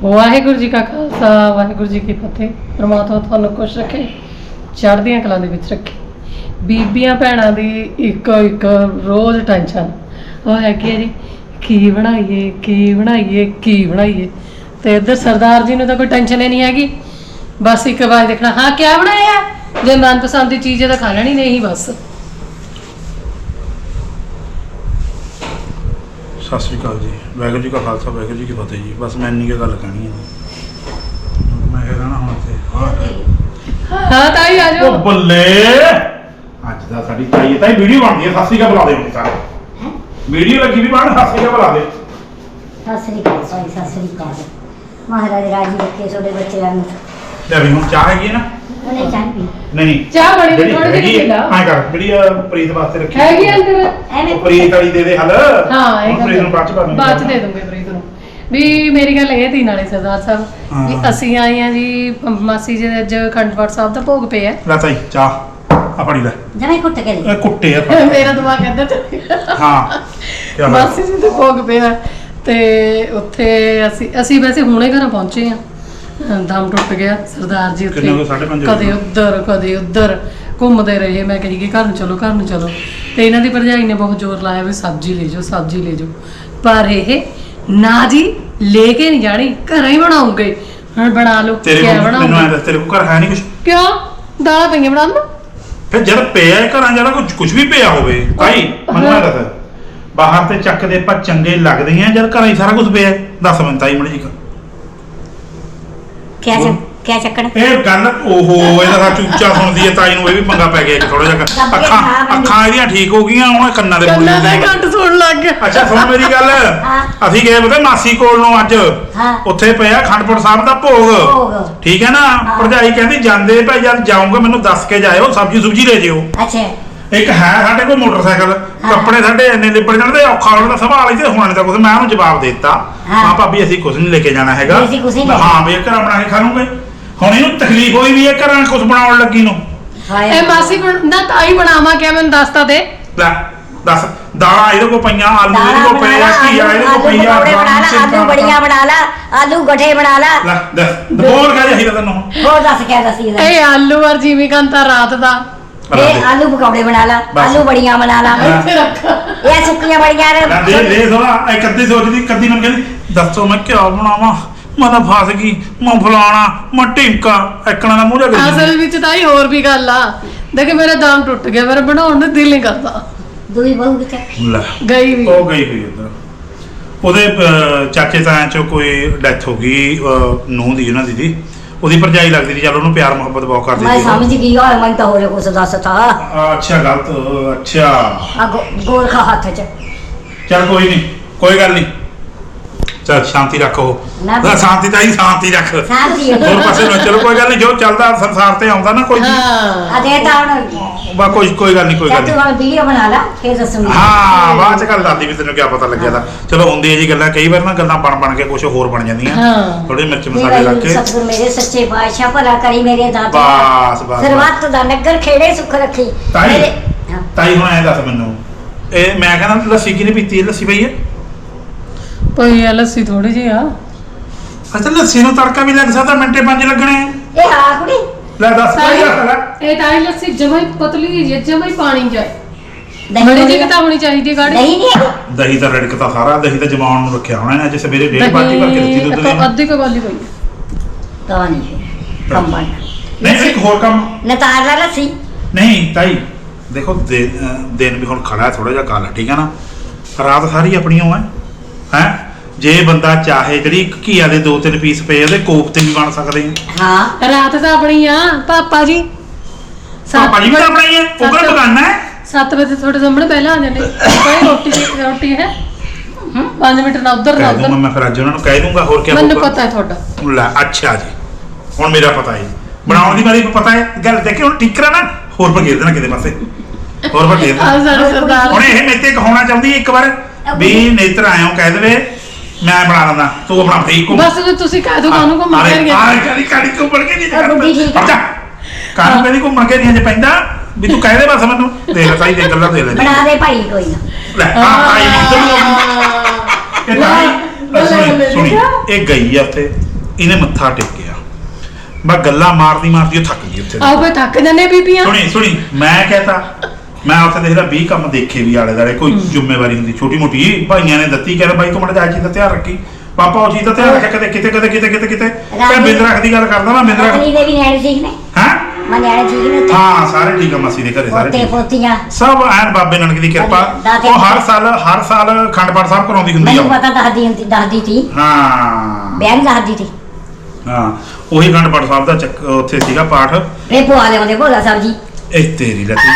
ਵਾਹਿਗੁਰੂ ਜੀ ਕਾ ਖਾਲਸਾ ਵਾਹਿਗੁਰੂ ਜੀ ਕੀ ਫਤਿਹ। ਪ੍ਰਮਾਤਮਾ ਤੁਹਾਨੂੰ ਖੁਸ਼ ਰੱਖੇ, ਚੜ੍ਹਦੀਆਂ ਕਲਾਂ ਦੇ ਵਿੱਚ ਰੱਖੇ। ਬੀਬੀਆਂ ਭੈਣਾਂ ਦੀ ਇੱਕ ਰੋਜ਼ ਟੈਨਸ਼ਨ ਉਹ ਹੈ ਕਿ ਜੀ ਕੀ ਬਣਾਈਏ ਕੀ ਬਣਾਈਏ। ਤੇ ਇੱਧਰ ਸਰਦਾਰ ਜੀ ਨੂੰ ਤਾਂ ਕੋਈ ਟੈਨਸ਼ਨ ਹੀ ਨਹੀਂ ਹੈਗੀ, ਬਸ ਇੱਕ ਵਾਰ ਦੇਖਣਾ ਹਾਂ ਕਿਆ ਬਣਾਇਆ, ਜੇ ਮਨਪਸੰਦ ਦੀ ਚੀਜ਼ ਹੈ ਤਾਂ ਖਾ ਲੈਣੀ, ਨਹੀਂ ਬਸ। ਸਤਿ ਸ਼੍ਰੀ ਅਕਾਲ ਜੀ, ਵਾਹਿਗੁਰੂ ਜੀ ਕਾ ਖਾਲਸਾ ਵਾਹਿਗੁਰੂ ਜੀ ਕੀ ਫਤਿਹ ਜੀ। ਬਸ ਮੈਂ ਇੰਨੀ ਕੁ ਗੱਲ ਕਹਿਣੀ ਹੈ। ਮੈਂ ਕਹਿਣਾ ਹੁਣ ਤੇ ਹਾਂ ਤਾਈ ਆ ਜਾਓ। ਉਹ ਬੱਲੇ ਅੱਜ ਦਾ ਸਾਡੀ ਤਾਈ ਤਾਈ ਵੀਡੀਓ ਬਣਦੀ ਹੈ। ਸਤਿ ਸ਼੍ਰੀ ਅਕਾਲ ਬੁਲਾ ਦੇ ਹੁਣ ਸਾਰੇ, ਵੀਡੀਓ ਲੱਗੀ ਵੀ ਬਣ। ਸਤਿ ਸ਼੍ਰੀ ਅਕਾਲ ਬੁਲਾ ਦੇ। ਸਤਿ ਸ੍ਰੀ ਅਕਾਲ ਸਾਈ, ਸਤਿ ਸ੍ਰੀ ਅਕਾਲ। ਮਹਾਰਾਜ ਰਾਜੀ ਰੱਖੇ ਤੁਹਾਡੇ ਬੱਚਿਆਂ ਨੂੰ। ਲੈ ਵੀ ਹੁਣ ਚਾਹ ਹੈਗੀ ਹੈ ਨਾ? ਉਹਨੇ ਚਾਹ ਪੀ ਨਹੀਂ ਚਾਹ ਬਣੀ ਥੋੜੀ ਜਿਹੀ ਪੀ ਲਾ। ਹਾਂ ਕਰ ਜਿਹੜੀ ਪ੍ਰੀਤ ਵਾਸਤੇ ਰੱਖੀ ਹੈਗੀ ਅੰਦਰ ਐਵੇਂ ਪ੍ਰੀਤ ਵਾਲੀ ਦੇ ਦੇ ਹਲ। ਹਾਂ ਇਹ ਪ੍ਰੀਤ ਨੂੰ ਬਾਅਦ ਚ ਪਾ ਦੂੰਗੀ, ਬਾਅਦ ਚ ਦੇ ਦੂੰਗੇ ਪ੍ਰੀਤ ਨੂੰ। ਵੀ ਮੇਰੀ ਗੱਲ ਇਹ ਤੀ ਨਾਲੇ ਸਰਦਾਰ ਸਾਹਿਬ ਵੀ ਅਸੀਂ ਆਏ ਆ ਜੀ ਮਾਸੀ ਜੀ ਦੇ ਅੱਜ ਅਖੰਡ ਪਾਠ ਸਾਹਿਬ ਦਾ ਭੋਗ ਪਿਆ। ਲੈ ਤਾਈ ਚਾਹ ਆ ਫੜੀ ਲੈ। ਜਮੇ ਕੁੱਟ ਕੇ ਲੈ ਇਹ ਕੁੱਟੇ ਆ ਮੇਰਾ ਦਿਮਾਗ ਇੱਧਰ ਚੱਲ ਗਿਆ। ਹਾਂ ਕੀ ਮਾਸੀ ਜੀ ਦੇ ਭੋਗ ਪਿਆ ਤੇ ਉੱਥੇ ਅਸੀਂ ਵੈਸੇ ਹੁਣੇ ਘਰਾਂ ਪਹੁੰਚੇ ਆ। ਦਮ ਟੁੱਟ ਗਿਆ ਸਰਦਾਰ ਜੀ ਉੱਥੇ ਕਦੇ ਉੱਧਰ ਘੁੰਮਦੇ ਰਹੇ। ਮੈਂ ਕਹੀ ਕਿ ਘਰ ਨੂੰ ਚਲੋ ਤੇ ਇਹਨਾਂ ਦੀ ਭਰਜਾਈ ਨੇ ਬਹੁਤ ਜ਼ੋਰ ਲਾਇਆ ਵੀ ਸਬਜ਼ੀ ਲੈ ਜਾਓ, ਪਰ ਇਹ ਨਾ ਜੀ ਲੈ ਕੇ ਨਹੀਂ ਜਾਣੀ, ਘਰਾਂ ਹੀ ਬਣਾਉਂਗੇ। ਹੁਣ ਬਣਾ ਲਓ ਕਿਆ ਬਣਾਉਂਗੇ। ਮੈਨੂੰ ਐਂ ਦੱਸ ਤੇਰੇ ਕੋਲ ਘਰ ਹੈ ਨਹੀਂ ਕੁਛ? ਕਿਉਂ ਦਾਲਾਂ ਪਈਆਂ ਬਣਾ ਲਓ। ਫਿਰ ਜਦ ਪਿਆ ਘਰਾਂ ਜਿਹੜਾ ਕੁਝ ਵੀ ਪਿਆ ਹੋਵੇ ਭਾਈ ਮੈਨੂੰ ਐਂ ਦੱਸ, ਬਾਹਰ ਤੇ ਚੱਕਦੇ ਆਪਾਂ ਚੰਗੇ ਲੱਗਦੇ ਆ ਜਦ ਘਰਾਂ ਹੀ ਸਾਰਾ ਕੁਝ ਪਿਆ? ਦੱਸ ਮੈਨੂੰ ਤਾਈ ਮੜੀ ਜੀ ਕਿਆ ਚੱਕਣ। ਇਹ ਗੱਲ ਓਹੋ ਇਹਦਾ ਸੱਚ ਉੱਚਾ ਸੁਣਦੀ ਹੈ ਤਾਈ ਨੂੰ, ਇਹ ਵੀ ਪੰਗਾ ਪੈ ਗਿਆ ਥੋੜਾ ਜਿਹਾ। ਅੱਖਾਂ ਇਹਦੀਆਂ ਠੀਕ ਹੋ ਗਈਆਂ, ਹੁਣ ਕੰਨਾਂ ਦੇ ਘੰਟ ਸੁਣ ਲੱਗ ਗਿਆ। ਅੱਛਾ ਸੁਣ ਮੇਰੀ ਗੱਲ, ਅਸੀਂ ਗਏ ਪਤਾ ਮਾਸੀ ਕੋਲ ਨੂੰ ਅੱਜ, ਉੱਥੇ ਪਿਆ ਅਖੰਡਪੁਰ ਸਾਹਿਬ ਦਾ ਭੋਗ, ਠੀਕ ਹੈ ਨਾ। ਭਰਜਾਈ ਕਹਿੰਦੀ ਜਾਂਦੇ ਭਾਈ ਜਦ ਜਾਊਂਗਾ ਮੈਨੂੰ ਦੱਸ ਕੇ ਜਾਇਓ, ਸਬਜ਼ੀ ਲੈ ਜਿਓ। ਅੱਛਾ ਇੱਕ ਹੈ ਸਾਡੇ ਕੋਲ ਮੋਟਰਸਾਈਕਲ, ਕੱਪੜੇ ਸਾਡੇ ਇੰਨੇ ਲਿਬੜ ਜਾਣਦੇ ਔਖਾ ਹੋਣ ਦਾ ਸਵਾਲ ਹੀ ਤੇ ਹੋਣ ਦਾ ਕੁਝ। ਮੈਂ ਉਹਨੂੰ ਜਵਾਬ ਦੇ ਦਿੱਤਾ, ਹਾਂ ਭਾਬੀ ਅਸੀਂ ਕੁਝ ਨਹੀਂ ਲੈ ਕੇ ਜਾਣਾ ਹੈਗਾ, ਹਾਂ ਵੀ ਘਰਾਂ ਬਣਾ ਕੇ ਖਾ ਲੂੰਗੇ। ਹੁਣ ਇਹਨੂੰ ਤਕਲੀਫ ਹੋਈ ਵੀ ਇਹ ਘਰਾਂ ਕੁਝ ਬਣਾਉਣ ਲੱਗੀ ਨੂੰ। ਇਹ ਮਾਸੀ ਨਾ ਤਾਈ ਬਣਾਵਾ ਕਿਆ ਮੈਨੂੰ ਦੱਸ ਤਾਂ ਦੇ। ਲੈ ਦੱਸ, ਦਾਲਾਂ ਇਹਦੇ ਕੋਲ ਪਈਆਂ, ਆਲੂ ਇਹਦੇ ਕੋਲ ਪਏ ਆ, ਘੀਆ ਇਹਦੇ ਕੋਲ ਪਈ ਆ, ਆਲੂ ਬੜੀਆਂ ਬਣਾ ਲਾ, ਆਲੂ ਗੱਠੇ ਬਣਾ ਲਾ। ਲੈ ਦੱਸ ਬੋਲ ਕਹਿ ਰਹੀ ਤੈਨੂੰ ਹੋਰ ਦੱਸ ਕਿਆ ਦੱਸੀ ਇਹ ਆਲੂ ਔਰ ਜਿਵੇਂ ਕੰਤਾ ਰਾਤ ਦਾ ਇਹ ਆਲੂ ਪਕੌੜੇ ਬਣਾ ਲਾ, ਆਲੂ ਬੜੀਆਂ ਬਣਾ ਲਾ। ਇਹ ਸੁੱਕੀਆਂ ਬੜੀਆਂ ਦੇ ਥੋੜਾ ਇੱਕ ਅੱਧੀ ਸੋਚਦੀ, ਕੱਦੀ ਮੈਨੂੰ ਕਹਿੰਦੀ ਦੱਸੋ ਮੈਂ ਕਿਆ ਬਣਾਵਾਂ, ਮੈਂ ਤਾਂ ਫਸ ਗਈ, ਮੈਂ ਫਲਾਣਾ ਮੈਂ ਢਿੰਕਾ ਐਕਣਾ ਦਾ ਮੂੰਹ ਜਾ ਗਈ। ਅਸਲ ਵਿੱਚ ਤਾਂ ਹੀ ਹੋਰ ਵੀ ਗੱਲ ਆ, ਦੇਖ ਮੇਰਾ ਦਮ ਟੁੱਟ ਗਿਆ, ਮੇਰਾ ਬਣਾਉਣ ਨੂੰ ਦਿਲ ਨਹੀਂ ਕਰਦਾ। ਦੂਈ ਬਹੂ ਕਿੱਥੇ ਗਈ ਵੀ? ਉਹ ਗਈ ਹੋਈ ਉੱਧਰ, ਉਹਦੇ ਚਾਚੇ ਤਾਇਆਂ ਚੋਂ ਕੋਈ ਡੈਥ ਹੋ ਗਈ ਨੂੰਹ ਦੀ, ਉਹਨਾਂ ਦੀ ਉਹਦੀ ਭਰਜਾਈ ਲੱਗਦੀ ਸੀ। ਚੱਲ ਉਹਨੂੰ ਪਿਆਰ ਮੁਹੱਬਤ ਬਹੁਤ ਕਰਦੀ ਸੀ। ਮੈਂ ਸਮਝ ਗਈ ਯਾਰ, ਮੈਂ ਤਾਂ ਹੋਰੇ ਕੁਛ ਦੱਸਤਾ। ਅੱਛਾ ਗਲਤ, ਅੱਛਾ ਆ ਗੋਰਖਾ ਹੱਥ 'ਚ। ਚੱਲ ਕੋਈ ਨਹੀਂ, ਕੋਈ ਗੱਲ ਨਹੀਂ, ਚੱਲ ਸ਼ਾਂਤੀ ਰੱਖੋ। ਸ਼ਾਂਤੀ ਤਾਂ ਹੀ ਸ਼ਾਂਤੀ ਰੱਖ, ਹੋਰ ਪਾਸੇ ਨਾ ਚਲੋ। ਕੋਈ ਗੱਲ ਨਹੀਂ, ਜੋ ਚੱਲਦਾ ਸੰਸਾਰ ਤੇ ਆਉਂਦਾ ਨਾ ਕੋਈ ਆ ਦੇ ਤਾਂ ਹੁਣ ਬਾ ਕੋਈ ਗੱਲ ਨਹੀਂ ਤੂੰ ਹੁਣ ਵੀਡੀਓ ਬਣਾ ਲਾ ਫੇਰ ਦੱਸੂਗੀ। ਹਾਂ ਬਾਅਦ ਚ ਗੱਲ ਦੱਸਦੀ ਵੀ ਤੈਨੂੰ ਕੀ ਪਤਾ ਲੱਗਿਆ ਤਾਂ। ਚਲੋ ਹੁੰਦੀ ਹੈ ਜੀ ਗੱਲਾਂ, ਕਈ ਵਾਰ ਨਾ ਗੱਲਾਂ ਬਣ ਕੇ ਕੁਝ ਹੋਰ ਬਣ ਜਾਂਦੀਆਂ, ਥੋੜੇ ਮਿਰਚ ਮਸਾਲੇ ਲੱਗ ਕੇ। ਸਤਿਗੁਰ ਮੇਰੇ ਸੱਚੇ ਪਾਤਸ਼ਾਹ ਭਲਾ ਕਰੀ ਮੇਰੇ ਦਾਤੇ। ਬਸ ਸਰਬੱਤ ਦਾ ਨਗਰ ਖੇੜੇ ਸੁਖ ਰੱਖੀ। ਤਾਈ ਹੁਣ ਐ ਦੱਸ ਮੈਨੂੰ, ਇਹ ਮੈਂ ਕਹਿੰਦਾ ਲੱਸੀ ਕਿਹਨੇ ਪੀਤੀ? ਲੱਸੀ ਪਈ ਹੈ ਪਈ ਆ ਲੱਸੀ ਥੋੜੀ ਜਿਹੀ ਆ। ਅੱਛਾ ਲੱਸੀ ਨੂੰ ਤੜਕਾ ਵੀ ਲੱਗ ਸਕਦਾ, ਮਿੰਟੇ 5 ਲੱਗਣੇ। ਇਹ ਆ ਕੁੜੀ ਲੈ ਦੱਸ ਕੋਈ ਗੱਲ ਲੈ। ਇਹ ਤਾਂ ਲੱਸੀ ਜਮਾ ਹੀ ਪਤਲੀ ਜਿਹੀ, ਜਮਾ ਹੀ ਪਾਣੀ ਜਾਏ, ਦਹੀਂ ਬੜੀ ਜਿਹੀ ਤਾਂ ਹੋਣੀ ਚਾਹੀਦੀ ਹੈ ਗਾੜੀ। ਦਹੀਂ ਨਹੀਂ, ਦਹੀਂ ਤਾਂ ਰੜਕਤਾ ਸਾਰਾ, ਦਹੀਂ ਤਾਂ ਜਮਾਉਣ ਨੂੰ ਰੱਖਿਆ ਹੋਣਾ ਨੇ। ਅੱਜ ਸਵੇਰੇ 1.5 ਬਾਟੀ ਭਰ ਕੇ ਦਿੱਤੀ ਦੁੱਧ ਦੀ, ਅੱਧੀ ਕੁ ਵਾਲੀ ਪਈ ਤਾਂ ਨਹੀਂ ਕੰਮ ਬਣ। ਨਹੀਂ ਇੱਕ ਹੋਰ ਕੰਮ ਨਤਾਰ ਲਾ ਲੱਸੀ। ਨਹੀਂ ਤਾਈ ਦੇਖੋ ਦਿਨ ਵੀ ਹੁਣ ਖੜਾ ਥੋੜਾ ਜਿਹਾ ਕਾਲਾ, ਠੀਕ ਹੈ ਨਾ। ਰਾਤ ਸਾਰੀ ਆਪਣੀ ਉਹ ਹੈ ਜੇ ਬੰਦਾ ਚਾਹੇ ਜਿਹੜੀ ਘੀਆ ਦੇ 2-3 ਪੀਸ ਪਏ ਉਹਦੇ ਕੋਫਤੇ ਵੀ ਬਣ ਸਕਦੇ ਆ। ਹਾਂ ਰਾਤ ਤਾਂ ਆਪਣੀ ਆ ਪਾਪਾ ਜੀ। ਪਾਪਾ ਜੀ ਵੀ ਤਾਂ ਆਪਣੀ ਹੈ, ਉਹ ਕਿਹੜਾ ਬਗਾਨਾ ਹੈ। 7 ਵਜੇ ਤੁਹਾਡੇ ਸਾਹਮਣੇ ਪਹਿਲਾਂ ਆ ਜਾਂਦੇ ਕੋਈ ਰੋਟੀ ਹੈ 5 ਮਿੰਟ ਨਾ ਉਧਰ ਨਾ ਉਧਰ। ਮੈਂ ਫਿਰ ਅੱਜ ਉਹਨਾਂ ਨੂੰ ਕਹਿ ਦੂੰਗਾ, ਹੋਰ ਕੀ ਹੋਊਗਾ ਮੈਨੂੰ ਪਤਾ ਹੈ ਤੁਹਾਡਾ। ਲੈ ਅੱਛਾ ਜੀ, ਹੁਣ ਮੇਰਾ ਪਤਾ ਹੈ ਬਣਾਉਣ ਦੀ, ਮੈਨੂੰ ਪਤਾ ਹੈ ਗੱਲ। ਦੇਖੇ ਹੁਣ ਠੀਕ ਕਰਾ ਨਾ, ਹੋਰ ਭਗੇਰ ਦੇਣਾ ਕਿਤੇ ਪਾਸੇ, ਹੋਰ ਭਗੇਰ ਦੇਣਾ। ਹੁਣ ਇਹ ਮੇਤੇ ਕਹਾਉਣਾ ਚਾਹੁੰਦੀ ਇੱਕ ਵਾਰ ਵੀ ਨੇਤਰ ਆਇਓ ਕਹਿ ਦੇਵੇ ਮੈਂ ਬਣਾ ਲੈਂਦਾ, ਤੂੰ ਆਪਣਾ ਠੀਕ ਹੋ। ਬਸ ਤੁਸੀਂ ਕਹਿ ਦੋ ਕਾਹਨੂੰ ਘੁੰਮਣ ਕੇ ਨਹੀਂ ਗਿਆ। ਕਾਲੀ ਘੁੰਮਣ ਕੇ ਨਹੀਂ ਜਾਂਦਾ, ਕਾਹਨੂੰ ਕਹਿੰਦੀ ਘੁੰਮਣ ਕੇ ਨਹੀਂ ਜੇ ਪੈਂਦਾ ਵੀ ਤੂੰ ਕਹਿ ਦੇ ਬਸ ਮੈਨੂੰ। ਦੇਖ ਤਾਈ ਦੇ ਗੱਲਾਂ ਦੇ ਲੈ ਬਣਾ ਦੇ ਭਾਈ ਕੋਈ ਨਾ। ਲੈ ਤਾਈ ਇਹ ਤਾਈ ਸੁਣੀ ਇਹ ਗਈ ਆ ਉੱਥੇ ਇਹਨੇ ਮੱਥਾ ਟੇਕਿਆ ਮੈਂ ਗੱਲਾਂ ਮਾਰਦੀ ਮਾਰਦੀ ਉਹ ਥੱਕ ਗਈ ਉੱਥੇ ਆਓ ਫੇ ਥੱਕ ਜਾਂਦੇ ਬੀਬੀਆਂ। ਸੁਣੀ ਮੈਂ ਕਹਤਾ ਮੈਂ ਉੱਥੇ ਦੇਖਦਾ 20 ਕੰਮ ਦੇਖੇ ਵੀ ਆਲੇ ਦਾਲੇ ਕੋਈ ਜ਼ਿੰਮੇਵਾਰੀ ਹੁੰਦੀ ਛੋਟੀ ਮੋਟੀ ਭਾਈਆਂ ਨੇ ਦਿੱਤੀ ਕਹਿੰਦਾ ਬਾਈ ਤੂੰ ਮੜਾ ਜਾ ਚੀਜ਼ ਦਾ ਧਿਆਨ ਰੱਖੀ ਪਾਪਾ ਉਹ ਚੀਜ਼ ਦਾ ਧਿਆਨ ਰੱਖਿਆ ਕਦੇ ਕਿਤੇ ਮੈਂ ਬਿੰਦ ਰੱਖ ਦੀ ਗੱਲ ਕਰਦਾ ਮੈਂ ਬਿੰਦ ਰੱਖ ਦੇ ਵੀ ਨਿਆਣੇ ਠੀਕ ਨੇ ਹਾਂ ਮੈਂ ਨਿਆਣੇ ਠੀਕ ਨੇ ਉੱਥੇ ਹਾਂ ਸਾਰੇ ਠੀਕ ਆ ਮਾਸੀ ਦੇ ਘਰੇ ਸਾਰੇ ਪੋਤੇ ਠੀਕ ਪੋਤੀਆਂ ਸਭ ਐਨ ਬਾਬੇ ਨਾਨਕ ਦੀ ਕਿਰਪਾ ਉਹ ਹਰ ਸਾਲ ਅਖੰਡ ਪਾਠ ਸਾਹਿਬ ਕਰਾਉਂਦੀ ਹੁੰਦੀ ਮੈਨੂੰ ਆ ਪਤਾ ਦੱਸਦੀ ਸੀ ਹਾਂ ਬਿਆਨ ਦੱਸਦੀ ਸੀ ਹਾਂ ਉਹੀ ਅਖੰਡ ਪਾਠ ਸਾਹਿਬ ਦਾ ਉੱਥੇ ਸੀਗਾ ਪਾਠ ਇਹ ਪਵਾ ਲਿਆਉਂਦੇ ਭੋਲਾ ਸਾਹਿਬ ਜੀ ਇਹ ਤੇਰੀ ਲੱਤੀ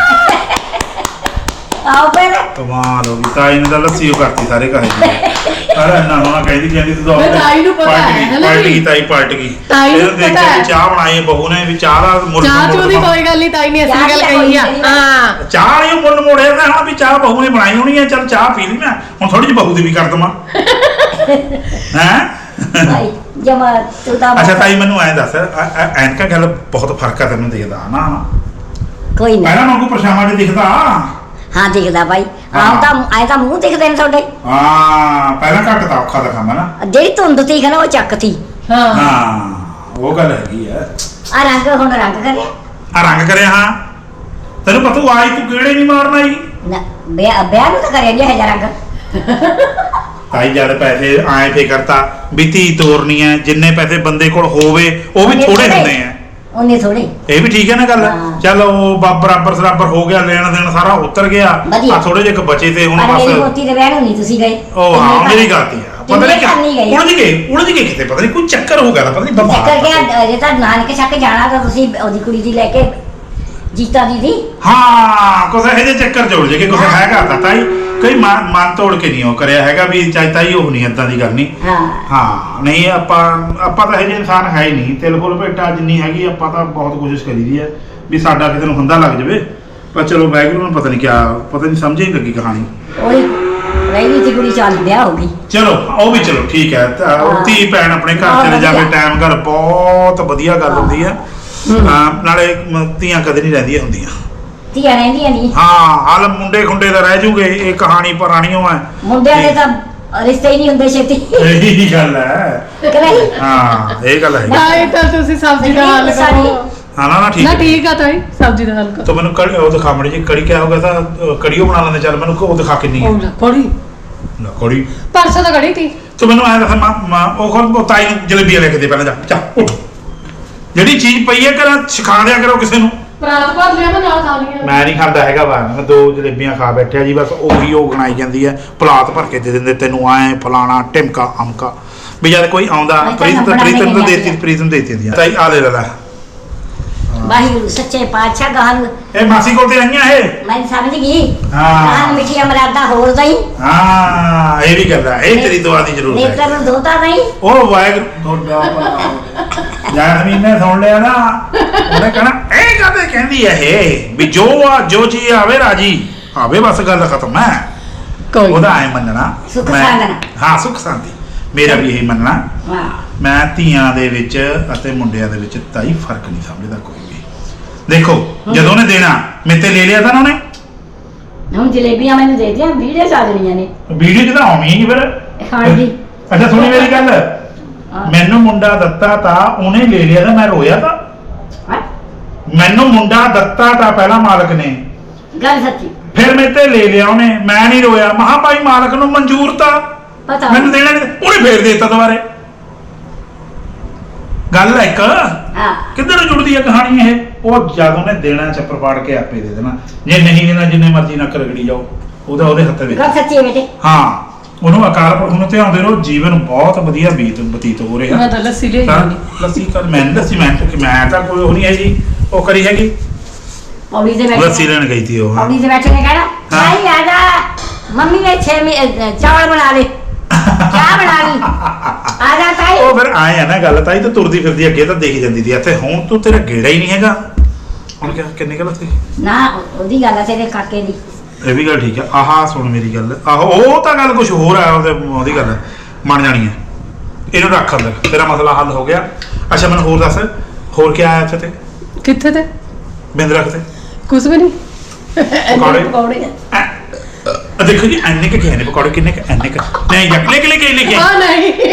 ਆਓ ਪਹਿਲੇ ਕਮਾਲ ਹੋ ਗਈ ਤਾਈ ਨੇ ਤਾਂ ਲੱਸੀ ਉਹ ਕਰਤੀ ਸਾਰੇ ਘਰੇ ਦੀ ਅਰੇ ਨਾ ਨਾ ਕਹਿੰਦੀ ਤੂੰ ਤਾਂ ਤਾਈ ਨੂੰ ਪਤਾ ਹੈ ਨਾ ਪਾਰਟੀ ਗਈ ਤਾਈ ਨੂੰ ਦੇਖ ਪਤਾ ਕੇ ਹੈ। ਚਾਹ ਬਣਾਈ ਬਹੂ ਨੇ ਵੀ ਚਾਹ ਦਾ ਮੁੱਲ ਚਾਹ ਚੂ ਦੀ ਕੋਈ ਗੱਲ ਨਹੀਂ, ਤਾਈ ਨੇ ਅਸਲੀ ਗੱਲ ਕਹੀ ਆ। ਹਾਂ ਚਾਹ ਵਾਲੀ ਮੁੱਲ ਮੋੜਿਆ ਤਾਂ ਹਾਂ ਵੀ ਚਾਹ ਬਹੂ ਨੇ ਬਣਾਈ ਹੋਣੀ ਹੈ ਚੱਲ ਚਾਹ ਪੀ ਲਈ ਮੈਂ ਹੁਣ ਥੋੜੀ ਜਿਹੀ ਬਹੂ ਦੀ ਵੀ ਕਰ ਦਵਾਂ ਹੈ ਭਾਈ ਜਮਾ ਤੂੰ ਤਾਂ ਅੱਛਾ ਤਾਈ ਮੈਨੂੰ ਐਂ ਦੱਸ ਐਨਕਾ ਗੱਲ ਬਹੁਤ ਫਰਕ ਆ ਤੈਨੂੰ ਦੇਖਦਾ ਨਾ ਕੋਈ ਨਹੀਂ ਪਹਿਲਾਂ ਵਾਂਗੂ ਪਰਛਾਵਾਂ ਤੇ ਦਿਖਦਾ ਹਾਂ ਦਿਖਦਾ ਭਾਈ ਹਾਂ। ਆਏ ਤਾਂ ਮੂੰਹ ਦਿਖਦੇ ਨੇ ਤੁਹਾਡੇ ਹਾਂ ਪਹਿਲਾਂ ਘੱਟ ਤਾਂ ਔਖਾ ਦਾ ਕੰਮ ਹੈ ਨਾ ਜਿਹੜੀ ਧੁੰਦ ਤੀ ਨਾ ਉਹ ਚੱਕ ਤੀ ਹਾਂ ਹਾਂ ਉਹ ਗੱਲ ਹੈਗੀ ਆ ਆ ਰੰਗ ਹੁਣ ਰੰਗ ਕਰਿਆ ਆ ਰੰਗ ਕਰਿਆ ਹਾਂ ਤੈਨੂੰ ਪਤਾ ਆਈ ਤੂੰ ਕਿਹੜੇ ਨਹੀਂ ਮਾਰਨਾ ਹੀ ਨਾ ਵਿਆਹ ਨੂੰ ਤਾਂ ਕਰਿਆ ਗਿਆ ਹੈ ਰੰਗ ਤਾਈ ਜਦ ਪੈਸੇ ਆਏ ਫੇ ਕਰਤਾ ਵੀ ਧੀ ਤੋਰਨੀ ਹੈ ਜਿੰਨੇ ਪੈਸੇ ਬੰਦੇ ਕੋਲ ਹੋਵੇ ਉਹ ਵੀ ਥੋੜੇ ਹੁੰਦੇ ਆ ਉਹਨੇ ਥੋੜੇ ਇਹ ਵੀ ਠੀਕ ਹੈ ਨਾ ਗੱਲ ਹਾਂ। ਚੱਲ ਉਹ ਬਰਾਬਰ ਸਰਾਬਰ ਹੋ ਗਿਆ ਲੈਣ ਦੇਣ ਸਾਰਾ ਉਤਰ ਗਿਆ ਵਧੀਆ। ਆ ਥੋੜੇ ਜਿਹੇ ਬਚੇ ਤੇ ਹੁਣ ਪਰ ਮੇਰੀ ਬਸ ਪੋਤੀ ਦੇ ਵਿਆਹ ਨੂੰ ਨਹੀਂ ਤੁਸੀਂ ਗਏ ਉਹ ਹਾਂ ਮੇਰੀ ਗਲਤੀ ਆ ਪਤਾ ਨਹੀਂ ਗਏ ਉਲਝ ਗਏ ਕਿਤੇ ਪਤਾ ਨਹੀਂ ਕੋਈ ਚੱਕਰ ਹੋ ਗਿਆ ਤਾਂ ਪਤਾ ਨਹੀਂ ਚੱਕਰ ਬਿਮਾਰ ਗਿਆ ਜੇ ਤਾਂ ਨਾਨਕੇ ਛੱਕ ਜਾਣਾ ਤਾਂ ਤੁਸੀਂ ਉਹਦੀ ਕੁੜੀ ਦੀ ਲੈ ਕੇ ਜੀਤਾ ਦੀ ਹਾਂ ਕੁਛ ਇਹੋ ਜਿਹੇ ਚੱਕਰ ਜੋੜ ਜੇ ਕਿ ਕੁਛ ਹੈਗਾ ਤਾਂ ਤਾਈ ਕਈ ਮਨ ਤੋੜ ਕੇ ਨਹੀਂ ਉਹ ਕਰਿਆ ਹੈਗਾ ਵੀ ਚਾਹੇ ਤਾਈ ਉਹ ਨਹੀਂ ਏਦਾਂ ਦੀ ਗੱਲ ਨਹੀਂ ਹਾਂ ਹਾਂ ਨਹੀਂ ਆਪਾਂ ਤਾਂ ਇਹ ਜਿਹੇ ਇਨਸਾਨ ਹੈ ਹੀ ਨਹੀਂ ਤਿਲ ਫੁੱਲ ਭੇਟਾ ਜਿੰਨੀ ਹੈਗੀ ਆਪਾਂ ਤਾਂ ਬਹੁਤ ਕੋਸ਼ਿਸ਼ ਕਰੀਦੀ ਹੈ ਵੀ ਸਾਡਾ ਕਿਤੇ ਨੂੰ ਹੰਦਾ ਲੱਗ ਜਾਵੇ ਪਰ ਚਲੋ ਵਾਹਿਗੁਰੂ ਨੂੰ ਪਤਾ ਨਹੀਂ ਸਮਝ ਹੀ ਨਹੀਂ ਲੱਗੀ ਕਹਾਣੀ ਉਹੀ ਰਹਿਣੀ ਸੀ ਕੁੜੀ ਚੱਲ ਵਿਆਹ ਹੋ ਗਈ ਚਲੋ ਉਹ ਵੀ ਚਲੋ ਠੀਕ ਹੈ ਹਾਂ। ਧੀ ਭੈਣ ਆਪਣੇ ਘਰ ਚਲੇ ਜਾਵੇ ਟਾਈਮ ਗੱਲ ਬਹੁਤ ਵਧੀਆ ਗੱਲ ਹੁੰਦੀ ਹੈ ਨਾਲੇ ਧੀਆਂ ਕਦੇ ਨਹੀਂ ਰਹਿੰਦੀਆਂ ਹੁੰਦੀਆਂ ਧੀਆਂ ਰਹਿੰਦੀਆਂ ਨਹੀਂ ਹਾਂ ਹਾਲ ਮੁੰਡੇ ਖੁੰਡੇ ਦਾ ਰਹਿ ਜੂਗੇ ਇਹ ਕਹਾਣੀ ਪੁਰਾਣੀ ਹੈ ਮੁੰਡਿਆਂ ਦੇ ਤਾਂ ਰਿਸ਼ਤੇ ਹੀ ਨਹੀਂ ਹੁੰਦੇ ਛੇਤੀ ਇਹੀ ਗੱਲ ਹੈ ਕਿ ਨਹੀਂ ਹਾਂ ਇਹ ਗੱਲ ਹੈ ਤਾਈ ਤਾਂ ਤੁਸੀਂ ਸਬਜ਼ੀ ਦਾ ਹੱਲ ਕਰੋ। ਹਾਂ ਨਾ ਠੀਕ ਨਾ ਹੈ ਠੀਕ ਆ ਤਾਈ ਸਬਜ਼ੀ ਦਾ ਹੱਲ ਕਰੋ। तो मैंने कड़ी वो दिखा मड़ी जी कड़ी क्या होगा था कड़ियो बना लेंगे चल मैंने वो दिखा के नहीं ਉਹ ਕੜੀ ना कड़ी ਪਰਸੋਂ ਤਾਂ ਕੜੀ ਤੀ तो मैंने आया था वो खोल वो ताई जलेबियां लेके दे पहले जा उठ ਜਿਹੜੀ ਚੀਜ਼ ਪਈ ਹੈ ਕਰਾਂ ਸਿਖਾ ਦਿਆ ਕਰੋ ਕਿਸੇ ਨੂੰ ਪ੍ਰਾਤ ਭਰ ਲਿਆ ਮੈਂ ਨਾਲ ਖਾ ਲਈਆਂ ਮੈਂ ਨਹੀਂ ਖਾਂਦਾ ਹੈਗਾ ਵਾ ਮੈਂ 2 ਜਲੇਬੀਆਂ ਖਾ ਬੈਠਿਆ ਜੀ ਬਸ ਉਹੀ ਉਹ ਗਣਾਈ ਜਾਂਦੀ ਹੈ ਪਲਾਤ ਭਰ ਕੇ ਦੇ ਦਿੰਦੇ ਤੈਨੂੰ ਆਏ ਫਲਾਣਾ ਟਿਮਕਾ ਅਮਕਾ ਵੀ ਜਦ ਕੋਈ ਆਉਂਦਾ ਪ੍ਰੀਤਮ ਨੂੰ ਦੇਤੀ ਦੀਆਂ ਤਾਈ ਆ ਲੈ ਲੈ ਵਾਹਿਗੁਰੂ ਸੱਚੇ ਪਾਤਸ਼ਾਹ ਗਾਹਨ ਇਹ ਮਾਸੀ ਕੋਲ ਤੇ ਆਈਆਂ ਇਹ ਮੈਂ ਸਮਝ ਗਈ ਹਾਂ। ਗਾਹਨ ਮਿੱਠੀਆਂ ਮਰਾਦਾ ਹੋਰ ਦਈ ਹਾਂ ਇਹ ਵੀ ਗੱਲ ਹੈ ਇਹ ਤੇਰੀ ਦੁਆ ਦੀ ਜ਼ਰੂਰਤ ਹੈ ਨੇਤਰ ਨੂੰ ਧੋਤਾ ਨਹੀਂ ਉਹ ਵਾਹਿਗੁਰੂ ਤੁਹਾਡਾ ਜੈਸਮੀਨ ਨੇ ਸੁਣ ਲਿਆ ਨਾ ਉਹਨੇ ਕਹਣਾ ਇਹ ਕਾਹਦੇ ਕਹਿੰਦੀ ਹੈ ਇਹ ਵੀ ਜੋ ਚੀਜ਼ ਆਵੇ ਰਾਜੀ ਆਵੇ ਬਸ ਗੱਲ ਖਤਮ ਹੈ ਕੋਈ ਉਹਦਾ ਐ ਮੰਨਣਾ ਸੁੱਖ ਮੈਂ- ਸਾਂਦਣਾ। ਹਾਂ ਸੁੱਖ ਸ਼ਾਂਤੀ ਮੇਰਾ ਵੀ ਇਹੀ ਮੰਨਣਾ ਹਾਂ ਮੈਂ ਧੀਆਂ ਦੇ ਵਿੱਚ ਅਤੇ ਮੁੰਡਿਆਂ ਦੇ ਵਿੱਚ ਤਾਈ ਫਰਕ ਨਹੀਂ ਸਮਝਦਾ ਕੋਈ ਵੀ ਦੇਖੋ ਜਦੋਂ ਉਹਨੇ ਦੇਣਾ ਮੇਤੇ ਲੈ ਲਿਆ ਤਾਂ ਉਹਨੇ ਹੁਣ ਜਲੇਬੀਆਂ ਮੈਨੂੰ ਦੇ ਦਿਆਂ ਵੀਡੀਓ ਸਾਜਣੀਆਂ ਨੇ ਵੀਡੀਓ 'ਚ ਤਾਂ ਆਉਣੀ ਹੀ ਫਿਰ ਖਾਣ ਦੀ ਅੱਛਾ ਸੁਣੀ ਮੇਰੀ ਗੱਲ ਹਾਂ। ਮੈਨੂੰ ਮੁੰਡਾ ਦਿੱਤਾ ਤਾਂ ਉਹਨੇ ਲੈ ਲਿਆ ਤਾਂ ਮੈਂ ਰੋਇਆ ਤਾਂ ਹਾਂ ਮੈਨੂੰ ਮੁੰਡਾ ਦਿੱਤਾ ਤਾਂ ਪਹਿਲਾਂ ਮਾਲਕ ਨੇ ਗੱਲ ਸੱਚੀ ਫਿਰ ਮੇਰੇ ਤੇ ਲੈ ਲਿਆ ਉਹਨੇ ਮੈਂ ਨਹੀਂ ਰੋਇਆ ਮਹਾ ਭਾਈ ਮਾਲਕ ਨੂੰ ਮਨਜ਼ੂਰ ਤਾਂ ਪਤਾ ਮੈਨੂੰ ਦੇਣਾ ਨਹੀਂ ਉਹਨੇ ਫੇਰ ਦੇਤਾ ਦੁਬਾਰੇ ਗੱਲ ਹੈ ਇੱਕ ਹਾਂ ਕਿੱਧਰ ਨੂੰ ਜੁੜਦੀ ਹੈ ਕਹਾਣੀ ਇਹ ਉਹ ਜਦ ਉਹਨੇ ਦੇਣਾ ਚੱਪਰ ਪਾੜ ਕੇ ਆਪੇ ਦੇ ਦੇਣਾ ਜੇ ਨਹੀਂ ਦੇਣਾ ਜਿੰਨੇ ਮਰਜ਼ੀ ਨੱਕ ਰਗੜੀ ਜਾਓ ਉਹਦੇ ਹੱਥ ਵਿੱਚ ਗੱਲ ਸੱਚੀ ਹੈ ਬੇਟੇ ਹਾਂ ਉਹਨੂੰ ਅਕਾਲ ਪੁਰਖ ਨੂੰ ਧਿਆਉਂਦੇ ਰਹੋ ਜੀਵਨ ਬਹੁਤ ਵਧੀਆ ਬਤੀਤ ਹੋ ਰਿਹਾ ਮੈਂ ਤਾਂ ਲੱਸੀ ਲਈ ਤਾਂ ਨਹੀਂ ਲੱਸੀ ਕਰ ਮੈਂ ਤਾਂ ਕੋਈ ਉਹ ਨਹੀਂ ਹੈ ਜੀ ਉਹ ਕਰੀ ਹੈਗੀ ਪੌੜੀ ਦੇ ਲੱਸੀ ਬੈਠੇ ਲੈਣ ਗਈ ਸੀ ਉਹ ਪੌੜੀ ਦੇ ਬੈਠੇ ਨੇ ਕਹਿਣਾ ਭਾਈ ਆ ਜਾ ਮੰਮੀ ਨੇ 6 ਚਾਵਲ ਬਣਾ ਦੇ ਚਾਹ ਬਣਾ ਲਈ ਆ ਜਾ ਤਾਈ ਉਹ ਫਿਰ ਆਏ ਆ ਨਾ ਗੱਲ ਤਾਈ ਤਾਂ ਤੁਰਦੀ ਫਿਰਦੀ ਅੱਗੇ ਤਾਂ ਦੇਖੀ ਜਾਂਦੀ ਸੀ ਇੱਥੇ ਹੁਣ ਤੂੰ ਤੇਰਾ ਗੇੜਾ ਹੀ ਨਹੀਂ ਹੈਗਾ ਹੁਣ ਕਿੰਨੀ ਗੱਲ ਸੀ ਨਾ ਉਹਦੀ ਗੱਲ ਆ ਤੇਰੇ ਕਾਕੇ ਦੀ ਇਹ ਵੀ ਗੱਲ ਠੀਕ ਹੈ ਆਹਾ ਸੁਣ ਮੇਰੀ ਗੱਲ ਆਹੋ ਉਹ ਤਾਂ ਗੱਲ ਕੁਝ ਹੋਰ ਆ ਉਹਦੀ ਗੱਲ ਮੰਨ ਜਾਣੀ ਹੈ ਇਹਨੂੰ ਰੱਖ ਅੰਦਰ ਤੇਰਾ ਮਸਲਾ ਹੱਲ ਹੋ ਗਿਆ ਅੱਛਾ ਮੈਨੂੰ ਹੋਰ ਦੱਸ ਹੋਰ ਕੀ ਆਇਆ ਇੱਥੇ ਤੇ ਕਿੱਥੇ ਤੇ ਬਿੰਦ ਰੱਖ ਤੇ ਕੁਝ ਵੀ ਨਹੀਂ ਪਕੌੜੇ? ਪਕੌੜੇ ਦੇਖੋ ਜੀ ਐਨੇ ਕਿ ਗਏ ਨੇ ਪਕੌੜੇ ਕਿੰਨੇ ਐਨੇ ਕਿ ਨਹੀਂ ਜੱਕ ਲੈ ਕੇ ਆ ਨਹੀਂ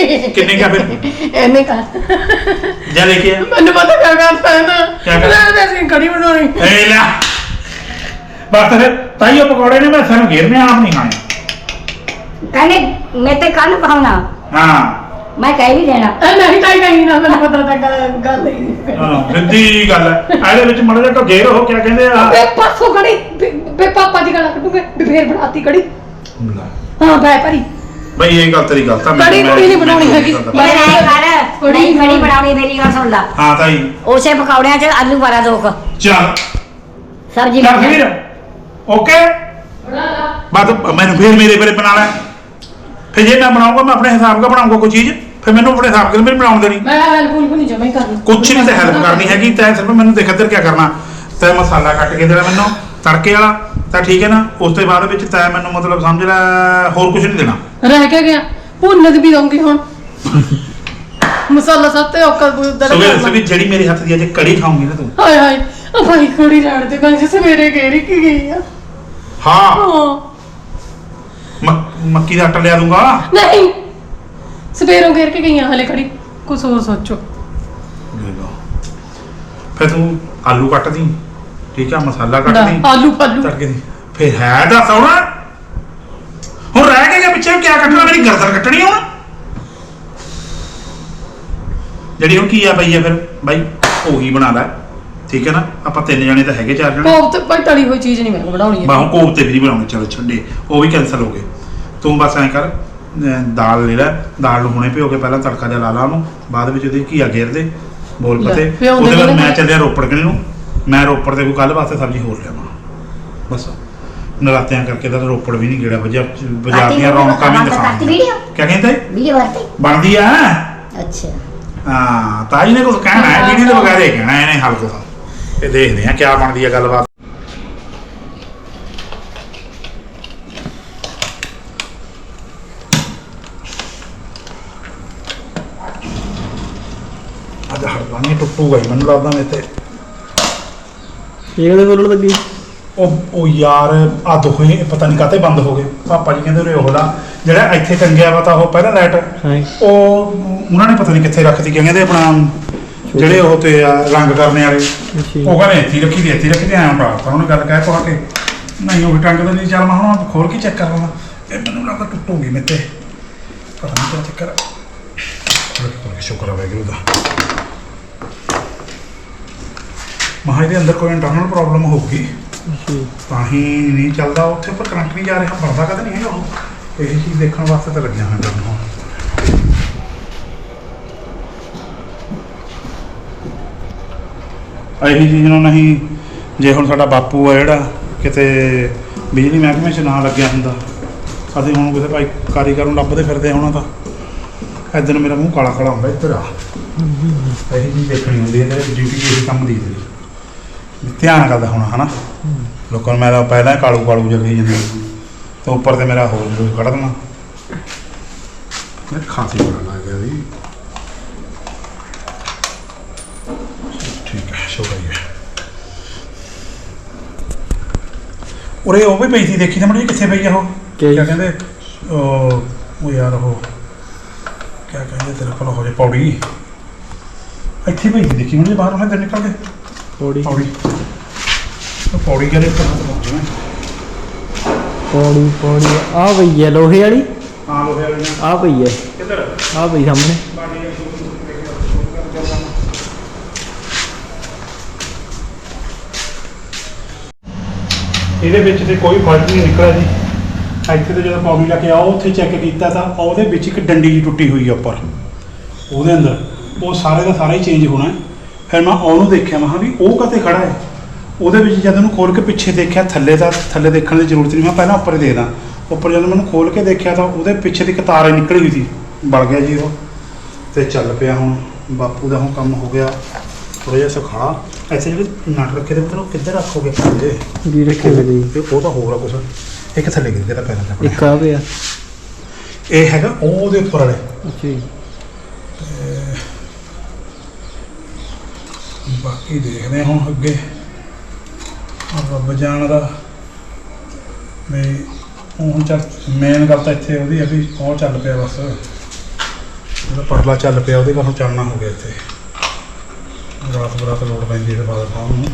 ਕਿੰਨੇ ਕਿਆ ਫਿਰ ਇਹਨੇ ਕਰ ਜਾ ਲੈ ਕੇ ਆ ਮੈਨੂੰ ਪਤਾ ਕਿਆ ਕਰਦਾ ਹੈ ਨਾ ਕਿਆ ਕਰਦਾ? ਮੈਂ ਅਸੀਂ ਕੜੀ ਬਣਾਉਣੀ ਏ ਲੈ ਬਸ ਫਿਰ ਤਾਈਓ ਪਕੌੜੇ ਨੇ ਮੈਂ ਸਾਨੂੰ ਘੇਰਨੇ ਆਪ ਨਹੀਂ ਖਾਣੇ कहने मैं तो कान पाऊंगा ਹਾਂ मैं कह भी देना ਨਹੀਂ ਤਾਂ ਕਹੀਂ ਨਾ ਮੈਨੂੰ ਪਤਾ ਤਾਂ ਗੱਲ ਹੀ ਹਾਂ ਸਿੱਧੀ ਗੱਲ ਹੈ ਇਹਦੇ ਵਿੱਚ ਮੜਾ ਜਿਹਾ ਘੇਰ ਉਹ ਕਿਆ ਕਹਿੰਦੇ ਆ ਬੇ ਪਾਸੋਂ ਕੜੀ ਬੇ ਪਾਪਾ ਦੀ ਗੱਲ ਕੱਢੂਗੇ ਵੀ ਫੇਰ ਬਣਾਤੀ ਕੜੀ ਹਾਂ ਬੈ ਭਰੀ ਬਈ ਇਹ ਗੱਲ ਤੇਰੀ ਗਲਤ ਆ ਕੜੀ ਕੁੜੀ ਨਹੀਂ ਬਣਾਉਣੀ ਹੈਗੀ मैं नहीं खा रहा नहीं खड़ी बनानी मेरी गल सुन ला ਹਾਂ ਤਾਈ उसे पकौड़िया च आलू भरा दो ਚੱਲ सब्जी ਚੱਲ बना ਫਿਰ ਓਕੇ ਬਸ ਮੈਨੂੰ ਫੇਰ ਮੇਰੇ ਬਾਰੇ ਬਣਾ ਲੈ ਫਿਰ ਜੇ ਮੈਂ ਬਣਾਉਂਗਾ ਮੈਂ ਆਪਣੇ ਹਿਸਾਬ ਦਾ ਬਣਾਉਂਗਾ ਕੋਈ ਚੀਜ਼ ਫਿਰ ਮੈਨੂੰ ਆਪਣੇ ਹਿਸਾਬ ਨਾਲ ਬਣਾਉਣ ਦੇਣੀ ਮੈਂ ਹੈਲਪਫੁਲ ਵੀ ਨਹੀਂ ਜਮਾ ਹੀ ਕਰਨੀ ਕੁਛ ਨਹੀਂ ਤੇ ਹੈਲਪ ਕਰਨੀ ਹੈਗੀ ਤੈਂ ਸਿਰਫ ਮੈਨੂੰ ਦੇਖ ਇੱਧਰ ਕੀ ਕਰਨਾ ਤੈਂ ਮਸਾਲਾ ਕੱਟ ਕੇ ਦੇਣਾ ਮੈਨੂੰ ਤੜਕੇ ਵਾਲਾ ਤਾਂ ਠੀਕ ਹੈ ਨਾ ਉਸ ਤੋਂ ਬਾਅਦ ਵਿੱਚ ਤੈਂ ਮੈਨੂੰ ਮਤਲਬ ਸਮਝ ਲੈ ਹੋਰ ਕੁਝ ਨਹੀਂ ਦੇਣਾ ਰਹਿ ਕੇ ਗਿਆ ਭੁੰਨ ਵੀ ਦਊਂਗੀ ਹੁਣ ਮਸਾਲਾ ਸਭ ਤੇ ਔਕਾ ਸਵੇਰੇ ਜਿਹੜੀ ਮੇਰੇ ਹੱਥ ਦੀ ਅੱਜ ਕੜੀ ਖਾਉਂਗੀ ਨਾ ਤੂੰ ਹਾਏ ਹਾਏ ਆ ਭਾਈ ਕੁੜੀ ਰਾੜ ਦੇ ਕੰਜ ਸਵੇਰੇ ਗੇਰੀ ਕੀ ਗਈ ਆ ਹਾਂ ਹਾਂ ਮੱਕੀ ਦਾ ਆਟਾ ਲਿਆ ਦੂੰਗਾ ਨਹੀਂ ਸਵੇਰੋਂ ਘੇਰ ਕੇ ਗਈਆਂ ਹਲੇ ਖੜੀ ਕੁਛ ਹੋਰ ਸੋਚੋ ਫਿਰ ਤੂੰ ਆਲੂ ਕੱਟ ਦੀ ਠੀਕ ਆ ਮਸਾਲਾ ਕੱਟ ਦੀ ਆਲੂ ਪਾਲੂ ਤੜਕੇ ਦੀ ਫਿਰ ਹੈ ਦੱਸ ਹੁਣ ਹੁਣ ਰਹਿ ਕੇ ਗਿਆ ਪਿੱਛੇ ਕਿਆ ਕੱਟਣਾ ਮੇਰੀ ਗਰਦਨ ਕੱਟਣੀ ਹੁਣ ਜਿਹੜੀ ਹੁਣ ਕੀ ਆ ਪਈ ਆ ਫਿਰ ਬਾਈ ਉਹੀ ਬਣਾ ਲੈ ਠੀਕ ਹੈ ਨਾ ਆਪਾਂ 3 ਜਣੇ ਤਾਂ ਹੈਗੇ 4 ਜਣੇ ਕੋਫਤੇ ਭਾਈ ਤਲੀ ਹੋਈ ਚੀਜ਼ ਨਹੀਂ ਮੈਂ ਬਣਾਉਣੀ ਹੈ ਬਾਹੋਂ ਕੋਫਤੇ ਵੀ ਨਹੀਂ ਬਣਾਉਣੇ ਚਲੋ ਛੱਡੇ ਉਹ ਵੀ ਕੈਨਸਲ ਹੋ ਗਏ ਤੂੰ ਬਸ ਐਂ ਕਰ ਦਾਲ ਲੈ ਲੈ ਦਾਲ ਨੂੰ ਹੁਣੇ ਭਿਓ ਕੇ ਪਹਿਲਾਂ ਤੜਕਾ ਜਿਹਾ ਲਾ ਲਾ ਉਹਨੂੰ ਬਾਅਦ ਵਿੱਚ ਉਹਦੀ ਘੀਆ ਘੇਰ ਦੇ ਬੋਲ ਪਤੇ ਉਹਦੇ ਬਾਅਦ ਮੈਂ ਚੱਲਿਆ ਰੋਪੜ ਕਿਨੇ ਨੂੰ ਮੈਂ ਰੋਪੜ ਦੇ ਕੋਈ ਕੱਲ ਵਾਸਤੇ ਸਬਜ਼ੀ ਹੋਰ ਲਿਆਵਾਂ ਬਸ ਨਰਾਤਿਆਂ ਕਰਕੇ ਤਾਂ ਰੋਪੜ ਵੀ ਨਹੀਂ ਗੇੜਾ ਵਜਾ ਬਾਜ਼ਾਰ ਦੀਆਂ ਰੌਣਕਾਂ ਵੀ ਦਿਖਾਉਂਦੀ ਕਿਆ ਕਹਿੰਦੇ ਵੀਡੀਓ ਬਣਤੀ ਬਣਦੀ ਆ ਅੱਛਾ ਹਾਂ ਤਾਈ ਨੇ ਕੁਝ ਕਹਿਣਾ ਹੈ ਵੀਡੀਓ ਦੇ ਬਗੈਰ ਹੀ ਕਹਿਣਾ ਇਹਨੇ ਹਲਕੋ ਦਾ ਇਹ ਦੇਖਦੇ ਆ ਕਿਆ ਬਣਦੀ ਆ ਗੱਲਬਾਤ ਅੱਜ ਹੜਵਾਨੀ ਟੁੱਟੂਗਾ ਹੀ ਮੈਨੂੰ ਲੱਗਦਾ ਮੇਰੇ ਤੇ ਇਹ ਕਦੇ ਬੋਲਣ ਲੱਗੀ ਉਹ ਯਾਰ ਆ ਦੋਹੇ ਪਤਾ ਨਹੀਂ ਕਾਤੇ ਬੰਦ ਹੋ ਗਏ ਪਾਪਾ ਜੀ ਕਹਿੰਦੇ ਉਰੇ ਉਹ ਲਾ ਜਿਹੜਾ ਇੱਥੇ ਟੰਗਿਆ ਵਾ ਤਾਂ ਉਹ ਪਹਿਲਾਂ ਲਾਈਟ ਹਾਂ ਉਹ ਉਹਨਾਂ ਨੇ ਪਤਾ ਨਹੀਂ ਕਿੱਥੇ ਰੱਖਤੀ ਕਹਿੰਦੇ ਆਪਣਾ ਜਿਹੜੇ ਉਹ ਤੇ ਆ ਰੰਗ ਕਰਨੇ ਵਾਲੇ ਉਹ ਕਹਿੰਦੇ ਇੱਥੇ ਰੱਖੀ ਤੇ ਆਇਆ ਤਾਂ ਉਹਨੇ ਗੱਲ ਕਹਿ ਪਾ ਕੇ ਨਹੀਂ ਉਹ ਟੰਗ ਤਾਂ ਨਹੀਂ ਚੱਲ ਮੈਂ ਹੁਣ ਖੋਲ ਕੇ ਚੈੱਕ ਕਰ ਲਵਾਂ ਇਹ ਮੈਨੂੰ ਲੱਗਦਾ ਟੁੱਟੂਗੀ ਮੇਰੇ ਤੇ ਪਤਾ ਨਹੀਂ ਕਿਆ ਚੱਕਰ ਆ ਸ਼ੁਕਰ ਆ ਵੈਗਰੂ ਦਾ ਮਹਾਂ ਇਹਦੇ ਅੰਦਰ ਕੋਈ ਇੰਟਰਨਲ ਪ੍ਰੋਬਲਮ ਹੋਊਗੀ ਤਾਂ ਹੀ ਨਹੀਂ ਚੱਲਦਾ ਉੱਥੇ ਪਰ ਕਰੰਟ ਨਹੀਂ ਜਾ ਰਿਹਾ ਬਣਦਾ ਕਦੇ ਨਹੀਂ ਹੈਗਾ ਉਹ ਇਹ ਚੀਜ਼ ਦੇਖਣ ਵਾਸਤੇ ਤਾਂ ਲੱਗਿਆ ਹੋਇਆ ਜਦੋਂ ਇਹੀ ਚੀਜ਼ ਨੂੰ ਨਹੀਂ ਜੇ ਹੁਣ ਸਾਡਾ ਬਾਪੂ ਆ ਜਿਹੜਾ ਕਿਤੇ ਬਿਜਲੀ ਮਹਿਕਮੇ 'ਚ ਨਾ ਲੱਗਿਆ ਹੁੰਦਾ ਅਸੀਂ ਹੁਣ ਕਿਸੇ ਭਾਈ ਕਾਰੀਗਰ ਨੂੰ ਲੱਭਦੇ ਫਿਰਦੇ ਹੋਣਾ ਤਾਂ ਇੱਧਰ ਮੇਰਾ ਮੂੰਹ ਕਾਲਾ ਕਾਲਾ ਹੁੰਦਾ ਇੱਧਰ ਆ ਇਹੀ ਚੀਜ਼ ਦੇਖਣੀ ਹੁੰਦੀ ਹੈ ਡਿਊਟੀ ਇਹ ਕੰਮ ਦੀ ਧਿਆਨ ਕਰਦਾ ਹੋਣਾ ਹਨਾ ਲੋਕਾਂ ਨੂੰ ਮੈਂ ਪਹਿਲਾਂ ਕਾਲੂ ਕਾਲੂ ਜਲਦੀ ਜਾਂਦੀ ਤੇ ਉੱਪਰ ਤੇ ਮੇਰਾ ਹੋਰ ਜ਼ਰੂਰ ਕੱਢ ਦੇਣਾ ਮੈਂ ਖਾਂਸੀ ਬਣਾ ਲੱਗ ਗਿਆ ਵੀ ਠੀਕ ਹੈ ਸ਼ੁਕਰੀਆ ਉਰੇ ਉਹ ਵੀ ਪਈ ਸੀ ਦੇਖੀ ਤਾਂ ਮੜੀ ਕਿੱਥੇ ਪਈ ਆ ਉਹ ਕਿਆ ਕਹਿੰਦੇ ਉਹ ਯਾਰ ਉਹ ਕਿਆ ਕਹਿੰਦੇ ਤੇਰੇ ਕੋਲ ਹੋ ਜੇ ਪੌੜੀ ਇੱਥੇ ਪਈ ਸੀ ਦੇਖੀ ਮੜੀ ਬਾਹਰ ਉਹਨੇ ਤੇ ਨਿਕਲ ਕੇ ਪੌੜੀ ਪੌੜੀ ਕਰੇ ਉੱਪਰ ਪਹੁੰਚਣਾ ਪੌੜੀ ਆ ਪਈ ਹੈ ਲੋਹੇ ਵਾਲੀ ਹਾਂ ਲੋਹੇ ਵਾਲੀ ਆ ਪਈ ਹੈ ਕਿੱਧਰ ਆ ਪਈ ਸਾਹਮਣੇ ਇਹਦੇ ਵਿੱਚ ਤੇ ਕੋਈ ਫਾਲਟ ਨਹੀਂ ਨਿਕਲਿਆ ਜੀ ਇੱਥੇ ਤੇ ਜਦੋਂ ਪੌੜੀ ਲਾ ਕੇ ਆਓ ਉੱਥੇ ਚੈੱਕ ਕੀਤਾ ਤਾਂ ਉਹਦੇ ਵਿੱਚ ਇੱਕ ਡੰਡੀ ਜੀ ਟੁੱਟੀ ਹੋਈ ਆ ਉੱਪਰ ਉਹਦੇ ਅੰਦਰ ਉਹ ਸਾਰੇ ਦਾ ਸਾਰਾ ਹੀ ਚੇਂਜ ਹੋਣਾ ਫਿਰ ਮੈਂ ਉਹਨੂੰ ਦੇਖਿਆ ਮੈਂ ਵੀ ਉਹ ਕਿਤੇ ਖੜਾ ਹੈ ਉਹਦੇ ਵਿੱਚ ਜਦ ਉਹਨੂੰ ਖੋਲ ਕੇ ਪਿੱਛੇ ਦੇਖਿਆ ਥੱਲੇ ਦੇਖਣ ਦੀ ਜ਼ਰੂਰਤ ਨਹੀਂ ਮੈਂ ਪਹਿਲਾਂ ਉੱਪਰ ਹੀ ਦੇਖਦਾ ਉੱਪਰ ਜਦੋਂ ਮੈਨੂੰ ਖੋਲ ਕੇ ਦੇਖਿਆ ਤਾਂ ਉਹਦੇ ਪਿੱਛੇ ਦੀ ਇੱਕ ਤਾਰ ਨਿਕਲੀ ਹੋਈ ਸੀ ਬਲ ਗਿਆ ਜੀ ਉਹ ਤੇ ਚੱਲ ਪਿਆ ਹੁਣ ਬਾਪੂ ਦਾ ਹੁਣ ਕੰਮ ਹੋ ਗਿਆ ਥੋੜਾ ਜਿਹਾ ਸੁਖਾ ਐਸੇ ਜਿਹੜੇ ਨਟ ਰੱਖੇ ਤੇ ਮਤਲਬ ਕਿੱਧਰ ਰੱਖੋਗੇ ਪੰਜੇ ਜੀ ਰੱਖੇ ਹੋਏ ਜੀ ਉਹ ਤਾਂ ਹੋਰ ਆ ਕੁਛ ਇੱਕ ਥੱਲੇ ਗਿਰ ਗਿਆ ਤਾਂ ਪੈਰਾਂ ਤੇ ਇੱਕ ਆ ਪਿਆ ਇਹ ਹੈਗਾ ਉਹਦੇ ਉੱਪਰ ਵਾਲੇ ਅੱਛਾ ਜੀ ਬਾਕੀ ਦੇਖਦੇ ਹੁਣ ਅੱਗੇ ਰੱਬ ਜਾਣਦਾ ਵੀ ਹੁਣ ਚੱਲ ਮੇਨ ਗੱਲ ਤਾਂ ਇੱਥੇ ਉਹਦੀ ਆ ਵੀ ਉਹ ਚੱਲ ਪਿਆ ਬਸ ਇਹਦਾ ਪਰਲਾ ਚੱਲ ਪਿਆ, ਉਹਦੇ ਕਾਹੋਂ ਚੱਲਣਾ ਹੋ ਗਿਆ ਇੱਥੇ। ਰਾਤ ਬਰਾਤ ਲੋੜ ਪੈਂਦੀ ਹੈ ਫਾਦਰ ਸਾਹਿਬ ਨੂੰ।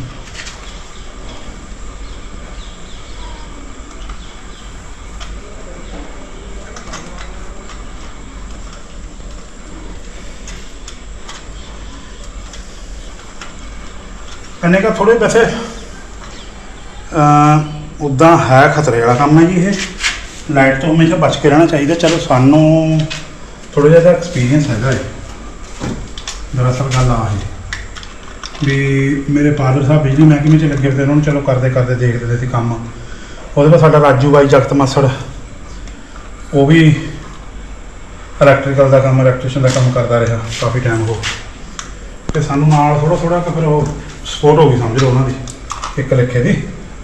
ਇਹਨੇ ਕਾ ਥੋੜੇ ਵੈਸੇ ਉੱਦਾਂ ਹੈ ਖਤਰੇ ਵਾਲਾ ਕੰਮ ਹੈ ਜੀ ਇਹ। ਲਾਈਟ ਤੋਂ ਹਮੇਸ਼ਾ ਬਚ ਕੇ ਰਹਿਣਾ ਚਾਹੀਦਾ। ਚਲੋ ਸਾਨੂੰ ਥੋੜਾ ਜਿਹਾ ਐਕਸਪੀਰੀਅੰਸ ਹੈਗਾ ਹੈ। ਦਰਅਸਲ ਗੱਲ ਆ ਹੈ ਵੀ ਮੇਰੇ ਫਾਦਰ ਸਾਹਿਬ ਬਿਜਲੀ ਮਹਿਕਮੇ 'ਚ ਲੱਗੇ ਹੋਏ, ਉਹਨਾਂ ਨੂੰ ਚਲੋ ਕਰਦੇ ਕਰਦੇ ਦੇਖਦੇ ਸੀ ਕੰਮ। ਉਹਦੇ ਬਾਅਦ ਸਾਡਾ ਰਾਜੂ ਬਾਈ ਜਗਤ ਮਾਸੜ, ਉਹ ਵੀ ਇਲੈਕਟ੍ਰੀਕਲ ਦਾ ਕੰਮ, ਇਲੈਕਟ੍ਰੀਸ਼ੀਅਨ ਦਾ ਕੰਮ ਕਰਦਾ ਰਿਹਾ ਕਾਫੀ ਟਾਈਮ ਹੋ। ਤੇ ਸਾਨੂੰ ਨਾਲ ਥੋੜਾ ਥੋੜਾ ਫਿਰ ਉਹ ਸਪੋਰਟ ਹੋ ਗਈ ਸਮਝ ਲਓ ਉਹਨਾਂ ਦੀ ਇੱਕ ਲੇਖੇ ਦੀ।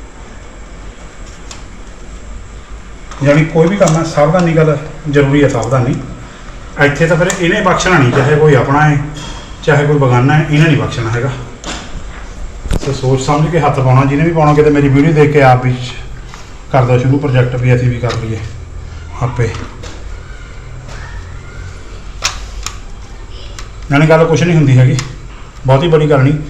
ਯਾਨੀ ਕੋਈ ਵੀ ਕੰਮ ਹੈ ਸਾਵਧਾਨੀ ਗੱਲ ਜ਼ਰੂਰੀ ਹੈ, ਸਾਵਧਾਨੀ। ਇੱਥੇ ਤਾਂ ਫਿਰ ਇਹਨੇ ਬਖਸ਼ਣਾ ਨਹੀਂ, ਚਾਹੇ ਕੋਈ ਆਪਣਾ ਹੈ ਚਾਹੇ ਕੋਈ ਬਗਾਨਾ ਹੈ, ਇਹਨੇ ਨਹੀਂ ਬਖਸ਼ਣਾ ਹੈਗਾ। ਸੋ ਸੋਚ ਸਮਝ ਕੇ ਹੱਥ ਪਾਉਣਾ, ਜਿਹਨੇ ਵੀ ਪਾਉਣਾ। ਕਿਤੇ ਮੇਰੀ ਵੀਡੀਓ ਦੇਖ ਕੇ ਆਪ ਵੀ ਕਰਦਾ ਸ਼ੁਰੂ ਪ੍ਰੋਜੈਕਟ ਵੀ ਅਸੀਂ ਵੀ ਕਰ ਲਈਏ ਆਪੇ। ਯਾਨੀ ਗੱਲ ਕੁਛ ਨਹੀਂ ਹੁੰਦੀ ਹੈਗੀ, ਬਹੁਤੀ ਬੜੀ ਗੱਲ ਨਹੀਂ।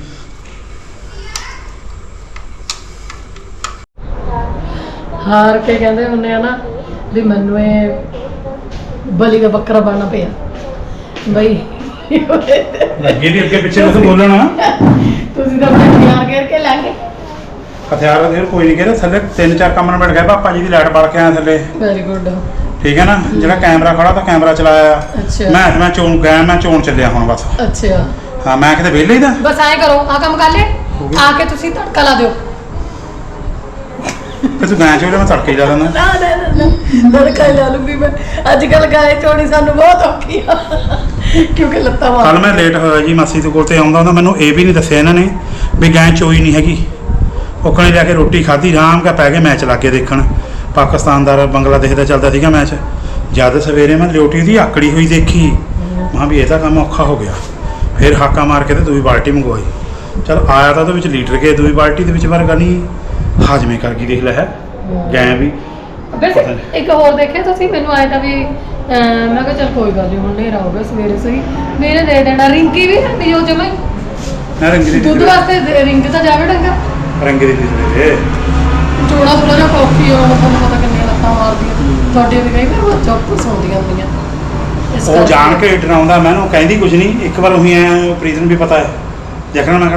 ਹਾਰ ਕੇ ਕਹਿੰਦੇ ਹੁੰਦੇ ਆ ਨਾ ਵੀ ਮੈਨੂੰ ਇਹ ਬਲੀ ਦਾ ਬੱਕਰਾ ਬਣਨਾ ਪਿਆ ਬਈ। ਲੱਗੇ ਦੀ ਅੱਗੇ ਪਿੱਛੇ ਨੂੰ ਬੋਲਣਾ। ਤੁਸੀਂ ਤਾਂ ਆਪਣੇ ਹਥਿਆਰ ਘੇਰ ਕੇ ਲੈ ਗਏ। ਹਥਿਆਰ ਦੇ ਕੋਈ ਨਹੀਂ ਕਹਿੰਦੇ। ਥੱਲੇ 3-4 ਕਮਰੇ ਬੈਠ ਗਏ, ਪਾਪਾ ਜੀ ਦੀ ਲਾਈਟ ਬਾਲ ਕੇ ਆਇਆ ਥੱਲੇ। Very good. ਠੀਕ ਹੈ ਨਾ। ਜਿਹੜਾ ਕੈਮਰਾ ਖੜਾ ਤਾਂ ਕੈਮਰਾ ਚਲਾਇਆ। ਅੱਛਾ। ਮੈਂ ਚੋਣ ਗਿਆ, ਮੈਂ ਚੋਣ ਚੱਲਿਆ ਹੁਣ ਬਸ। ਅੱਛਾ ਹਾਂ ਮੈਂ ਕਿਤੇ ਵਿਹਲੇ ਹੀ ਦਾ ਬਸ ਐਂ ਕਰੋ, ਆ ਕੰਮ ਕਰ ਲੈ, ਆ ਕੇ ਤੁਸੀਂ ਤੜਕਾ ਲਾ ਦਿਓ। ਤੇ ਤੂੰ ਗਾਂ ਚੋਲੇ ਮੈਂ ਤੜਕੇ ਹੀ ਲਾ ਦਿੰਦਾ। ਨਾ ਤੜਕਾ ਹੀ ਲਾ ਲੂੰਗੀ ਮੈਂ। ਅੱਜ ਕੱਲ ਗਾਏ ਚੋਣੀ ਸਾਨੂੰ ਬਹੁਤ ਔਖੀ ਆ ਕਿਉਂਕਿ ਲੱਤਾਂ ਮਾਰ। ਕੱਲ ਮੈਂ ਲੇਟ ਹੋਇਆ ਜੀ ਮਾਸੀ ਦੇ ਕੋਲ ਤੇ ਆਉਂਦਾ ਹੁੰਦਾ, ਮੈਨੂੰ ਇਹ ਵੀ ਨਹੀਂ ਦੱਸਿਆ ਇਹਨਾਂ ਨੇ ਵੀ ਗਾਂ ਚੋਈ ਨਹੀਂ ਹੈਗੀ। ਉਹਕਣੇ ਜਾ ਕੇ ਰੋਟੀ ਖਾਧੀ, ਆਰਾਮ ਕਾ ਪੈ ਕੇ ਮੈਚ ਲਾ ਕੇ ਦੇਖਣ। ਪਾਕਿਸਤਾਨ ਦਾ ਬੰਗਲਾਦੇਸ਼ ਦਾ ਚੱਲਦਾ ਸੀਗਾ ਮੈਚ। ਜਦ ਸਵੇਰੇ ਮੈਂ ਲਿਓਟੀ ਦੀ ਆਕੜੀ ਹੋਈ ਦੇਖੀ, ਮੈਂ ਵੀ ਇਹ ਤਾਂ ਕੰਮ ਔਖਾ ਹੋ ਗਿਆ। ਫਿਰ ਹਾਕਾ ਮਾਰ ਕੇ ਤੇ ਦੂਜੀ ਬਾਲਟੀ ਮੰਗਵਾਈ। ਚਲ ਆਇਆ ਤਾਂ ਉਹਦੇ ਵਿੱਚ ਲੀਟਰ ਕੇ, ਦੂਜੀ ਬਾਲਟੀ ਦੇ ਵਿੱਚ ਵਰਗਾ ਨਹੀਂ ਹਾਜ਼ਮੇ ਕਰ ਗਈ। ਦੇਖ ਲੈ ਹੈ ਗੈਂ ਵੀ। ਵੈਸੇ ਇੱਕ ਹੋਰ ਦੇਖਿਆ ਤੁਸੀਂ, ਮੈਨੂੰ ਆਇਆ ਤਾਂ ਵੀ ਮੈਂ ਕਿਹਾ ਚਲ ਕੋਈ ਗੱਲ ਨਹੀਂ, ਹੁਣ ਹਨੇਰਾ ਹੋ ਗਿਆ ਸਵੇਰੇ ਸਹੀ ਮੇਰੇ ਦੇ ਦੇਣਾ। ਰਿੰਕੀ ਵੀ ਨਹੀਂ ਉਹ ਜਮਾ ਨਾ ਰੰਗੀ ਦੀ ਦੁੱਧ ਵਾਸਤੇ ਰਿੰਕ ਤਾਂ ਜਾਵੇ ਡੰਗਾ। ਰੰਗੀ ਦੀ ਸਵੇਰੇ ਚੋੜਾ ਥੋੜਾ ਜਿਹਾ ਕਾਫੀ ਹੋਣਾ, ਤੁਹਾਨੂੰ ਪਤਾ ਕਿੰਨੀਆਂ ਲੱਤਾਂ ਮਾਰਦੀਆਂ ਤੁਹਾਡੀਆਂ ਵੀ ਕਈ ਵਾਰ ਚੁੱਪ ਸੌਂਦੀਆਂ ਹੁੰਦੀਆਂ। ਉਹ ਜਾਣ ਕੇ ਡਰਾਉਂਦਾ ਮੈਨੂੰ, ਕਹਿੰਦੀ ਕੁਝ ਨਹੀਂ। ਇੱਕ ਵਾਰ ਉਹੀ ਆਇਆ ਪ੍ਰੀਤਨ ਵੀ ਪਤਾ ਹੈ, ਦੇਖਣਾ ਮੈਂ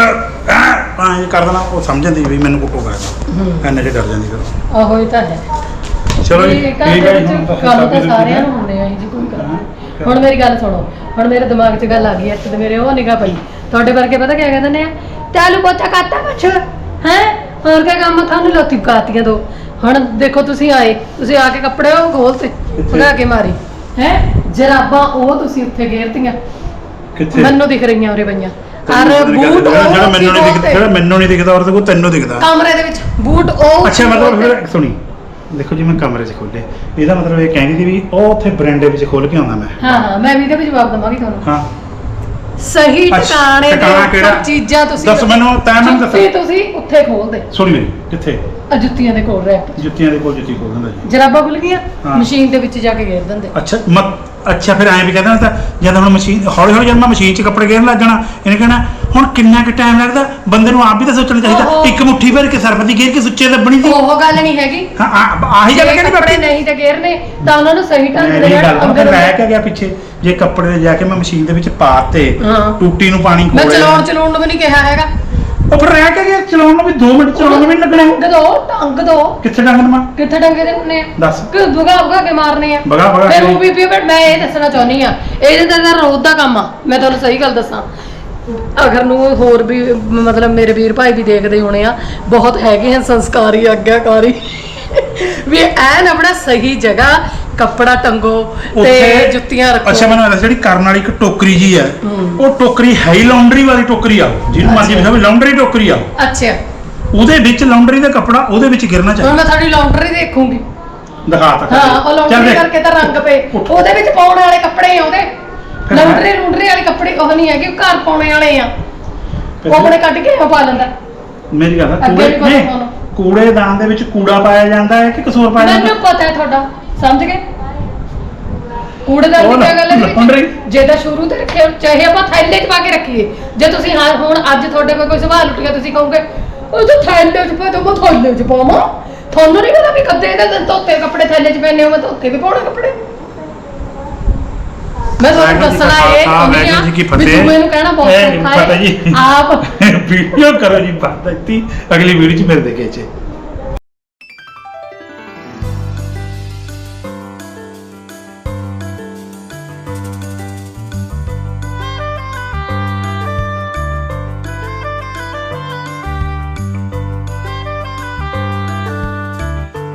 ਕਹਣਾ ਇਹ ਕਰ ਦੇਣਾ, ਉਹ ਸਮਝ ਜਾਂਦੀ ਵੀ ਮੈਨੂੰ ਕੁੱਟੋ ਕਰਦਾ। ਇੰਨੇ 'ਚ ਡਰ ਜਾਂਦੀ ਫਿਰ। ਆਹੋ ਇਹ ਤਾਂ ਹੈ। ਚਲੋ ਜੀ ਠੀਕ ਹੈ ਜੀ। ਗੱਲ ਤਾਂ ਸਾਰਿਆਂ ਨੂੰ ਹੁੰਦੇ ਆ ਜੀ, ਕੋਈ ਗੱਲ ਨਹੀਂ। ਹੁਣ ਮੇਰੀ ਗੱਲ ਸੁਣੋ, ਹੁਣ ਮੇਰੇ ਦਿਮਾਗ 'ਚ ਗੱਲ ਆ ਗਈ ਇੱਥੇ ਤੇ ਮੇਰੇ ਉਹ ਨਿਗਾਹ ਪਈ। ਤੁਹਾਡੇ ਵਰਗੇ ਪਤਾ ਕਿਆ ਕਹਿੰਦੇ ਨੇ, ਚਾਲੂ ਪੋਚਾ ਕਰਤਾ ਕੁਛ ਹੈ ਹੋਰ ਕਿਆ ਕੰਮ ਤੁਹਾਨੂੰ ਲੋਤੀ ਪਕਾਤੀਆਂ ਦੋ। ਹੁਣ ਦੇਖੋ ਤੁਸੀਂ ਆਏ, ਤੁਸੀਂ ਆ ਕੇ ਕੱਪੜੇ ਉਹ ਖੋਲਤੇ ਭਗਾ ਕੇ ਮਾਰੀ ਹੈ ਜਰਾਬਾਂ, ਉਹ ਤੁਸੀਂ ਉੱਥੇ ਗੇਰਤੀਆਂ ਕਿੱਥੇ ਮੈਨੂੰ ਦਿਖ ਰਹੀਆਂ ਉਰੇ ਪਈਆਂ। ਔਰ ਬੂਟ ਜਿਹੜਾ ਮੈਨੂੰ ਨਹੀਂ ਦਿਖਦਾ, ਜਿਹੜਾ ਮੈਨੂੰ ਨਹੀਂ ਦਿਖਦਾ ਔਰ ਤੇ ਤੈਨੂੰ ਦਿਖਦਾ ਕਮਰੇ ਦੇ ਵਿੱਚ ਬੂਟ ਉਹ। ਅੱਛਾ ਮਤਲਬ ਫਿਰ ਸੁਣੀ, ਦੇਖੋ ਜੀ ਮੈਂ ਕਮਰੇ 'ਚ ਖੋਲੇ, ਇਹਦਾ ਮਤਲਬ ਇਹ ਕਹਿੰਦੀ ਸੀ ਵੀ ਉਹ ਉੱਥੇ ਬਰਾਂਡੇ ਵਿੱਚ ਖੋਲ ਕੇ ਆਉਂਦਾ ਮੈਂ। ਹਾਂ ਮੈਂ ਵੀ ਇਹਦੇ ਵਿੱਚ ਜਵਾਬ ਦਵਾਂਗੀ ਤੁਹਾਨੂੰ। ਹਾਂ ਸਹੀ ਟਿਕਾਣੇ ਟਿਕਾਣਾ ਦੇ ਕਿਹੜਾ? ਚੀਜ਼ਾਂ ਤੁਸੀਂ ਦੱਸ ਮੈਨੂੰ, ਤੈਂ ਮੈਨੂੰ ਦੱਸ। ਜੁੱਤੀ ਤੁਸੀਂ ਉੱਥੇ ਖੋਲਦੇ। ਸੁਣੀ ਮੇਰੀ, ਕਿੱਥੇ? ਆ ਜੁੱਤੀਆਂ ਦੇ ਕੋਲ ਰੈਕ ਜੁੱਤੀਆਂ ਦੇ ਕੋਲ ਜੁੱਤੀ ਖੋਲ ਦਿੰਦਾ ਜੀ। ਜਰਾਬਾਂ ਖੁੱਲ ਗਈਆਂ, ਹਾਂ। ਮਸ਼ੀਨ ਦੇ ਵਿੱਚ ਜਾ ਕੇ ਗੇਰ ਦਿੰਦੇ। ਅੱਛਾ ਫਿਰ ਐਂ ਵੀ ਕਹਿੰਦਾ ਤਾਂ ਜਦ ਹੁਣ ਮਸ਼ੀਨ ਹੌਲੀ ਹੌਲੀ ਜਦ ਮੈਂ ਮਸ਼ੀਨ 'ਚ ਕੱਪੜੇ ਗੇਰਨ ਲੱਗ ਜਾਣਾ, ਇਹਨੇ ਕਹਿਣਾ ਹੁਣ ਕਿੰਨਾ ਕੁ ਟਾਈਮ ਲੱਗਦਾ। ਬੰਦੇ ਨੂੰ ਆਪ ਵੀ ਤਾਂ ਸੋਚਣਾ ਚਾਹੀਦਾ, ਇੱਕ ਮੁੱਠੀ ਭਰ ਕੇ ਸਰਬਤੀ ਗੇਰ ਕੇ ਸੁੱਚੇ ਲੱਭਣੀ ਸੀ। ਉਹ ਗੱਲ ਨਹੀਂ ਹੈਗੀ। ਹਾਂ ਆਹੀ ਗੱਲ ਕਹਿੰਦੀ ਕੱਪੜੇ ਨਹੀਂ ਤੇ ਗੇਰਨੇ ਤਾਂ ਉਹਨਾਂ ਨੂੰ ਸਹੀ ਢੰਗ ਦੇ ਇਹ ਗੱਲ ਨਾਲ ਅੰਦਰ ਰਹਿ ਕੇ ਗਿਆ ਪਿੱਛੇ। ਜੇ ਕੱਪੜੇ ਦੇ ਜਾ ਕੇ ਮੈਂ ਮਸ਼ੀਨ ਦੇ ਵਿੱਚ ਪਾਤੇ, ਹਾਂ। ਟੂਟੀ ਨੂੰ ਪਾਣੀ ਮੈਂ ਖੋਲਿਆ, ਚਲਾਉਣ ਨੂੰ ਵੀ ਨਹੀਂ ਕਿਹਾ ਹੈਗਾ। ਉਹ ਫਿਰ ਰਹਿ ਕੇ ਗਿਆ। ਚਲਾਉਣ ਨੂੰ ਵੀ 2 ਮਿੰਟ ਚਲਾਉਣ ਨੂੰ ਵੀ ਨੀ ਲੱਗਣੇ। ਟੰਗ ਦੋ ਕਿੱਥੇ ਡੰਗ ਮਾਂ ਕਿੱਥੇ ਡੰਗੇ ਦੇ ਹੁੰਨੇ ਆ? ਦੱਸ। ਕਿ ਭਗਾ ਕੇ ਮਾਰਨੇ ਆ। ਭਗਾ ਫਿਰ ਕੇ। ਉਹ ਵੀ ਬਟ ਮੈਂ ਇਹ ਦੱਸਣਾ ਚਾਹੁੰਦੀ ਆ, ਇਹਦੇ ਤਾਂ ਰੋਜ਼ ਦਾ ਕੰਮ ਆ। ਮੈਂ ਤੁਹਾਨੂੰ ਸਹੀ ਗੱਲ ਦੱਸਾਂ, ਅਗਰ ਨੂੰ ਹੋਰ ਵੀ ਮਤਲਬ ਮੇਰੇ ਵੀਰ ਭਾਈ ਵੀ ਦੇਖਦੇ ਹੋਣੇ ਆ, ਬਹੁਤ ਹੈਗੇ ਹਨ ਸੰਸਕਾਰੀ ਆਗਿਆਕਾਰੀ ਵੀ ਐਨ ਆਪਣਾ ਸਹੀ ਜਗ੍ਹਾ ਕੱਪੜਾ ਟੰਗੋ ਤੇ ਜੁੱਤੀਆਂ ਰੱਖੋ। ਅੱਛਾ ਮੈਨੂੰ ਦੱਸ, ਜਿਹੜੀ ਕਰਨ ਵਾਲੀ ਇੱਕ ਟੋਕਰੀ ਜੀ ਹੈ, ਉਹ ਟੋਕਰੀ ਹੈ ਹੀ ਲਾਉਂਡਰੀ ਵਾਲੀ ਟੋਕਰੀ ਆ, ਜਿਹਨੂੰ ਮਰਜ਼ੀ ਲਿਖੋ ਵੀ ਲਾਉਂਡਰੀ ਟੋਕਰੀ ਆ। ਅੱਛਾ ਉਹਦੇ ਵਿੱਚ ਲਾਉਂਡਰੀ ਦਾ ਕੱਪੜਾ ਉਹਦੇ ਵਿੱਚ ਗਿਰਨਾ ਚਾਹੀਦਾ। ਹੁਣ ਮੈਂ ਤੁਹਾਡੀ ਲਾਉਂਡਰੀ ਦੇਖੂੰਗੀ। ਦਿਖਾ ਤਾ ਹਾਂ ਉਹ ਲਾਉਂਡਰੀ ਕਰਕੇ ਤਾਂ ਰੰਗ ਪਏ, ਉਹਦੇ ਵਿੱਚ ਪਾਉਣ ਵਾਲੇ ਕੱਪੜੇ ਆ ਉਹਦੇ। ਲਾਉਂਡਰੀ ਵਾਲੇ ਕੱਪੜੇ ਉਹ ਨਹੀਂ ਹੈਗੇ, ਘਰ ਪਾਉਣੇ ਵਾਲੇ ਆ। ਉਹ ਆਪਣੇ ਕੱਢ ਕੇ ਉਹ ਪਾ ਲੈਂਦਾ। ਮੇਰੀ ਗੱਲ ਹੈ, ਕੂੜੇਦਾਨ ਦੇ ਵਿੱਚ ਕੂੜਾ ਪਾਇਆ ਜਾਂਦਾ ਹੈ ਕਿ ਕਸੂਰ ਪਾਇਆ ਜਾਂਦਾ? ਮੈਨੂੰ ਪਤਾ ਹੈ ਤੁਹਾਡਾ, ਸਮਝ ਗਏ। ਕੂੜੇਦਾਨ ਦੀ ਉਹ ਕੀ ਗੱਲ ਹੈ laundry। ਜੇ ਤਾਂ ਸ਼ੁਰੂ ਤੇ ਰੱਖਿਆ ਚਾਹੇ ਆਪਾਂ ਥੈਲੇ 'ਚ ਪਾ ਕੇ ਰੱਖੀਏ ਜੇ ਤੁਸੀਂ ਹੁਣ ਅੱਜ ਤੁਹਾਡੇ ਕੋਲ ਕੋਈ ਸਵਾਲ ਉੱਠ ਗਿਆ ਤੁਸੀਂ ਕਹੋਗੇ ਉਹ ਤਾਂ ਥੈਲੇ 'ਚ ਪਾ ਦੋ ਮੈਂ ਥੈਲੇ 'ਚ ਪਾਵਾਂ ਤੁਹਾਨੂੰ ਨਹੀਂ ਪਤਾ ਵੀ ਕੱਦੇ ਇਹਦੇ ਧੋਤੇ ਕੱਪੜੇ ਥੈਲੇ 'ਚ ਪੈਣੇ ਹੋ ਮੈਂ ਧੋਤੇ ਵੀ ਪਾਉਣੇ ਕੱਪੜੇ ਮੈਂ ਤੁਹਾਨੂੰ ਵਾਹਿਗੁਰੂ ਜੀ ਦੱਸਣਾ ਕਾ ਇਹ ਖਾਲਸਾ, ਵਾਹਿਗੁਰੂ ਜੀ ਕੀ ਫਤਿਹ। ਮੈਨੂੰ ਕਹਿਣਾ ਬਹੁਤ ਇਹ ਨਹੀਂ ਔਖਾ ਪਤਾ ਹੈ ਜੀ। ਆਪ ਵੀਡੀਓ ਕਰੋ ਜੀ ਬਾਤ ਦਿੱਤੀ ਅਗਲੀ ਵੀਡੀਓ ਚ ਮਿਲਦੇ ਕੇ ਚ